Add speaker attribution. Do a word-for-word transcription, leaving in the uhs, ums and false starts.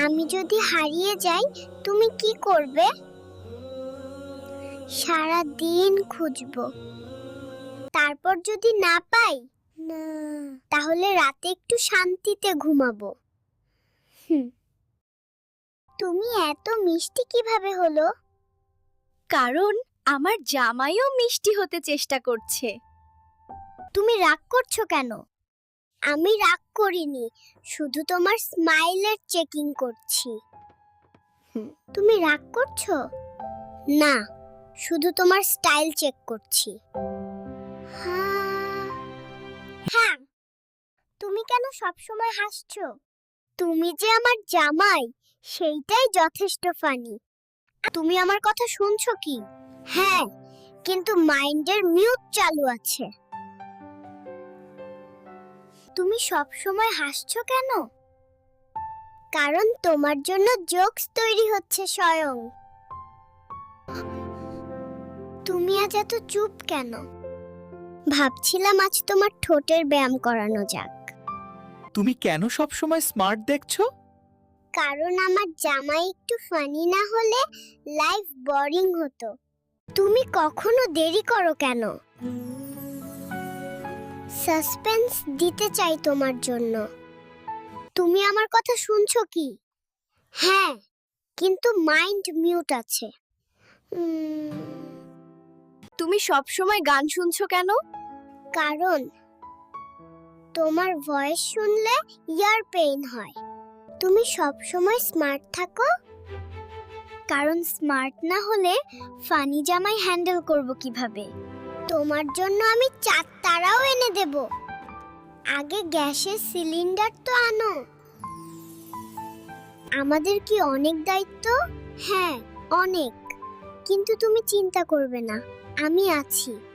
Speaker 1: আমি যদি হারিয়ে যাই তুমি কি করবে? সারা দিন খুঁজবো, তারপর যদি না পাই না তাহলে রাতে একটু শান্তিতে ঘুমাবো। হুম, তুমি এত মিষ্টি কিভাবে হলো?
Speaker 2: কারণ আমার জামাইও মিষ্টি হতে চেষ্টা করছে।
Speaker 1: তুমি রাগ করছো কেন? আমি রাগ করিনি, শুধু তোমার স্মাইলের চেকিং করছি। হুম, তুমি রাগ করছো? না, শুধু তোমার স্টাইল চেক করছি। হ্যাঁ, হ্যাঁ, তুমি কেন সবসময় হাসছো? তুমি যে আমার জামাই, সেইটাই যথেষ্ট ফানি। তুমি আমার কথা শুনছো কি? হ্যাঁ, কিন্তু মাইন্ডের মিউট চালু আছে। তুমি সব সময় হাসছো কেন? কারণ তোমার জন্য জোকস তৈরি হচ্ছে স্বয়ং। তুমি আজ এত চুপ কেন? ভাবছিলাম আজ তোমার ঠোঁটের ব্যায়াম করানো যাক।
Speaker 3: তুমি কেন সব সময় স্মার্ট দেখছো?
Speaker 1: কারণ আমার জামাই একটু ফানি না হলে লাইফ বোরিং হতো। তুমি কখনো দেরি করো কেন? সাসপেন্স দিতে চাই তোমার জন্য। তুমি আমার কথা শুনছো কি? হ্যাঁ, কিন্তু মাইন্ড মিউট আছে। উম,
Speaker 2: তুমি সব সময় গান শুনছো কেন?
Speaker 1: কারণ তোমার ভয়েস শুনলে ইয়ার পেইন হয়। তুমি সব সময় স্মার্ট থাকো? কারণ স্মার্ট না হলে ফানি জামাই হ্যান্ডেল করব কিভাবে? তোমার জন্য আমি চার তারাও এনে দেব। আগে গ্যাসের সিলিন্ডার তো আনো। আমাদের কি অনেক দায়িত্ব? হ্যাঁ, অনেক। কিন্তু তুমি চিন্তা করবে না, আমি আছি।